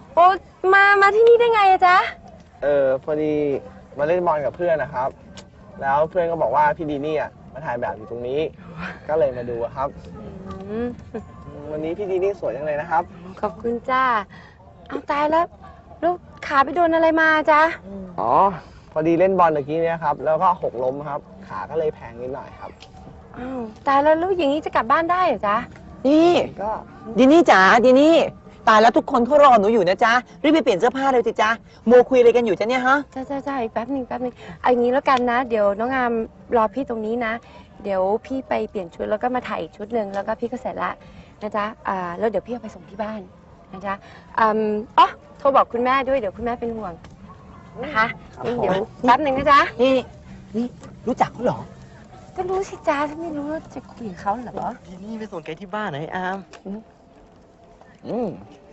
โอ้มาที่นี่ได้ไงอะจ๊ะพอดีมาเล่นบอลกับเพื่อนนะครับ แล้วเพื่อนก็บอกว่าพี่ดีนี่อ่ะมาถ่ายแบบอยู่ตรงนี้ ก็เลยมาดูอะครับอืมวันนี้พี่ดีนี่สวยจังเลยนะครับขอบคุณจ้าเอาตายแล้วลูกขาไปโดนอะไรมาจ๊ะอ๋อ พอดีเล่นบอลเมื่อกี้เนี่ยครับ แล้วก็หกล้มครับ ขาก็เลยแพงนิดหน่อยครับอ้าวตายแล้วลูกอย่างนี้จะกลับบ้านได้เหรอจ๊ะนี่ก็ดินี่จ๋าดินี่ตายแล้วทุกคนเขารอหนูอยู่นะจ๊ะรีบไปเปลี่ยนเสื้อผ้าเลยสิจ๊ะโมวคุยอะไรกันอยู่จ๊ะเนี่ยฮะจ้าอีกแป๊บหนึ่งเอาอย่างนี้แล้วกันนะ เดี๋ยวน้องงามรอพี่ตรงนี้นะ เดี๋ยวพี่ไปเปลี่ยนชุดแล้วก็มาถ่ายอีกชุดหนึ่งแล้วก็พี่ก็เสร็จละนะจ๊ะแล้วเดี๋ยวพี่เอาไปส่งที่บ้านนะจ๊ะอ๋อโทรบอกคุณแม่ด้วยเดี๋ยวคุณแม่เป็นห่วงนะคะงั้นเดี๋ยวแป๊บหนึ่งนะจ๊ะนี่รู้จักเขาเหรอก็รู้สิจ๊ะถ้าไม่รู้จะคุยกับเขาเหรอทีนี่ไปส่งแกที่บ้านนะไอ้อามอืม